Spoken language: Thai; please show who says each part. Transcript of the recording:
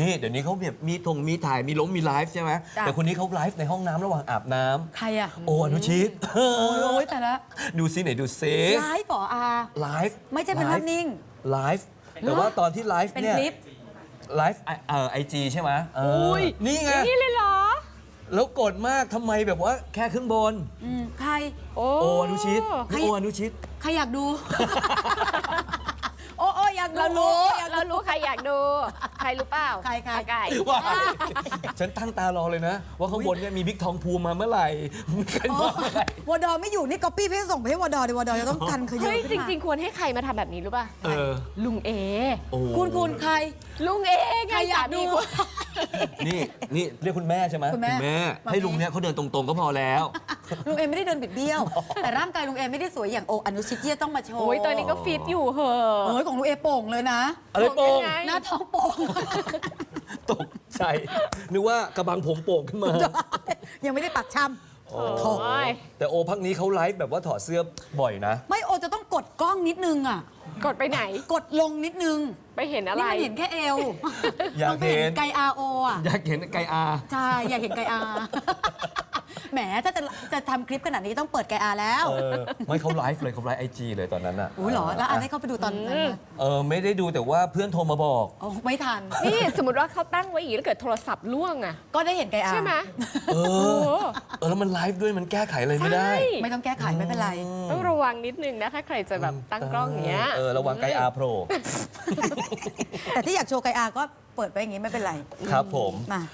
Speaker 1: นี่เดี๋ยวนี้เขาแบบมีถ่ายมีมีไลฟ์ใช่ไหมแต่คนนี้เขาไลฟ์ในห้องน้ำระหว่างอาบน้ำ
Speaker 2: ใครอะ
Speaker 1: โออนุชิต
Speaker 2: โอ้ยแต่ละ
Speaker 1: ดูซิไหนดูเซ
Speaker 2: ไลฟ์เหรออา
Speaker 1: ไลฟ์
Speaker 2: ไม่ใช่เป็นภาพนิ่ง
Speaker 1: ไลฟ์แต่ว่าตอนที่ไลฟ์
Speaker 2: เป็น
Speaker 1: เนี่ย
Speaker 2: คลิป
Speaker 1: ไลฟ์IG ใช่ไหมนี่ไง
Speaker 3: นี่เลยเหรอ
Speaker 1: แล้วกดมากทำไมแบบว่าแค่ครึ่งบน
Speaker 2: ใคร
Speaker 3: โอ้
Speaker 1: โออนุชิตนี่โออนุชิต
Speaker 2: ใครอยากดู โอ้อยากดู
Speaker 3: เรารู้
Speaker 2: อยาก
Speaker 3: เรารู้ใครอยากดู ใครรู้เปล่า
Speaker 2: ใคร
Speaker 3: อาไก่
Speaker 1: ว่าฉันตั้งตารอเลยนะ ว่าข้างบนเนี่ยมีบิ๊กทองภูมิมาเมื่อไหร่ใครมาเมื่อไหร่
Speaker 2: วอดอไม่อยู่นี่ก๊อปปี้เพื่อส่งไปให้วอดอเดี๋ยววอดอจะต้องกันขย
Speaker 3: เฮ้ยจริง ๆ ควรให้ใครมาทำแบบนี้รู้ป่ะ ลุงเอ
Speaker 1: โอ้
Speaker 2: คุณใคร
Speaker 3: ลุงเอไง
Speaker 2: ใครอยากดู
Speaker 3: สมีคุณ
Speaker 1: นี่เรียกคุณแม่ใช่ไหม
Speaker 2: คุณแม่
Speaker 1: ให้ลุงเนี่ยเขาเดินตรงๆก็พอแล้ว
Speaker 2: ลุงเอไม่ได้เดินบิดเบี้ยว แต่ร่างกายลุงเอไม่ได้สวยอย่างโออนุชิตที่จะต้องมาโชว์
Speaker 3: โอ้ยตอนนี้ก็ฟิตอยู่เหอะ
Speaker 2: โอ้ยของลุงเอโป่งเลยนะ
Speaker 1: อะไรโป่ง
Speaker 3: ยังไง
Speaker 2: หน้าท้องโป่ง
Speaker 1: ตกใจนึกว่ากระบังผมโป่งขึ้นมา
Speaker 2: ยังไม่ได้ปักช้
Speaker 1: โอ้
Speaker 3: โอ้ย
Speaker 1: แต่โอพักนี้เขาไลฟ์แบบว่าถอดเสื้อบ่อยนะ
Speaker 2: ำไม่โอจะต้องกดกล้องนิดนึงอ่ะ
Speaker 3: กดไปไหน
Speaker 2: กดลงนิดนึง
Speaker 3: ไปเห็นอะไร
Speaker 2: นี่มันเห็นแค่เอว
Speaker 1: อยาก
Speaker 2: มันไป
Speaker 1: เห็น
Speaker 2: ไกอาโออ่ะ
Speaker 1: อยากเห็นไกอา
Speaker 2: ใช่ อยากเห็นไกอา แหมถ้าจะทำคลิปขนาดนี้ต้องเปิดไกอาแล้ว
Speaker 1: ไม่เขาไลฟ์เลยเขาไลฟ์IG เลยตอนนั้นอ่ะ
Speaker 2: อุ้ยเหรอ แล้วอันให้เขาไปดูตอนนั้นไหม
Speaker 1: ไม่ได้ดูแต่ว่าเพื่อนโทรมาบอก
Speaker 2: โอ้ไม่ทัน
Speaker 3: นี่สมมติว่าเขาตั้งไว้อีกแล้วเกิดโทรศัพท์ล่วงอะ
Speaker 2: ก็ได้เห็นไกอา
Speaker 3: ใช่ไหม
Speaker 1: เออแล้วมันไลฟ์ด้วยมันแก้ไขอะไรไม่ได้
Speaker 3: ใช่
Speaker 2: ไม่ต้องแก้ไขไม่เป็นไร
Speaker 3: ต้องระวังนิดนึงนะถ้าใครจะแบบตั้งกล้องอย่างเงี้ย
Speaker 1: ระวังไกอาโปร
Speaker 2: แต่ที่อยากโชว์ไกอาก็เปิดไปอย่างงี้ไม่เป็นไร
Speaker 1: ครับผม
Speaker 2: มา